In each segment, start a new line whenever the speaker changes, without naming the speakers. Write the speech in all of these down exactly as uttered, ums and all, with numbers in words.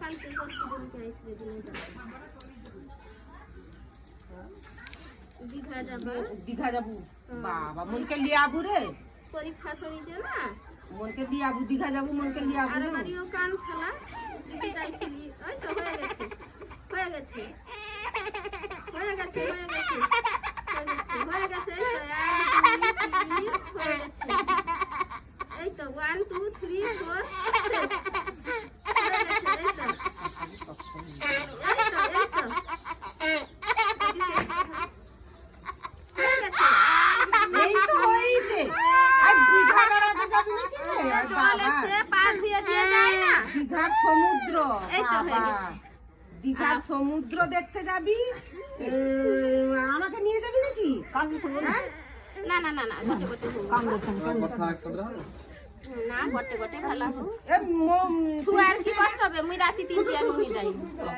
কালকে পরশুদিনকে আসবে দিনে যাবে দীঘা যাবে
দীঘা যাবো বাবা মনকে লিয়ে আবু রে
পরীক্ষা সরিছে না
মনকে লিয়ে আবু দীঘা যাবো মনকে লিয়ে আবু
আর বাড়িও কান খেলা দিকে যাইছিলি ওই তো হয়ে গেছে হয়ে গেছে হয়ে গেছে হয়ে গেছে হয়ে গেছে হয়ে গেছে এই তো ওয়ান টু থ্রি ফোর
সমুদ্র দীঘার সমুদ্র দেখতে যাবি আমাকে নিয়ে যাবি নাকি
না না না না গোটে গোটে না গোটে গোটে খেলা ছুয়ার কি কষ্ট হবে মুই রাতি তিনটে আর মুই যাই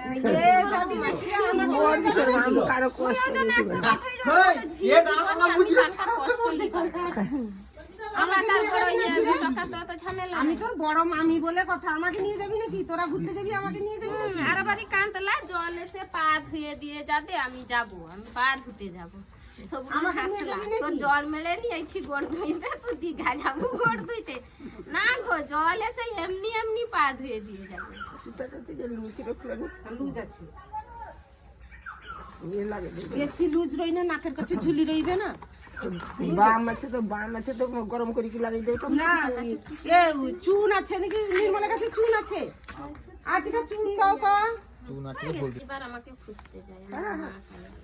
আমি তোর বড় মামি বলে কথা আমাকে নিয়ে যাবি নাকি তোরা ঘুরতে যাবি আমাকে নিয়ে যাবি নাকি
আর বাড়ি কান্তলা জল এসে পা ধুয়ে দিয়ে যাবে আমি যাব আমি পা ধুতে যাব সবুজ হাসলা তো জল মেলে নিয়েছি গোড় ধুইতে তো দীঘা যাবো গোড় ধুইতে না গো জল এসে এমনি এমনি পা ধুয়ে দিয়ে যাবে
বেশি লুজ রই না নাকের কাছে ঝুলি রইবে না
বাম আছে তো বাম আছে তো গরম করে কি লাগাই দেব
না এ চুন আছে নাকি নির্মলের কাছে চুন আছে আজকে চুন দাও তো
চুন আছে বলবি এবার আমাকে খুঁজতে যায়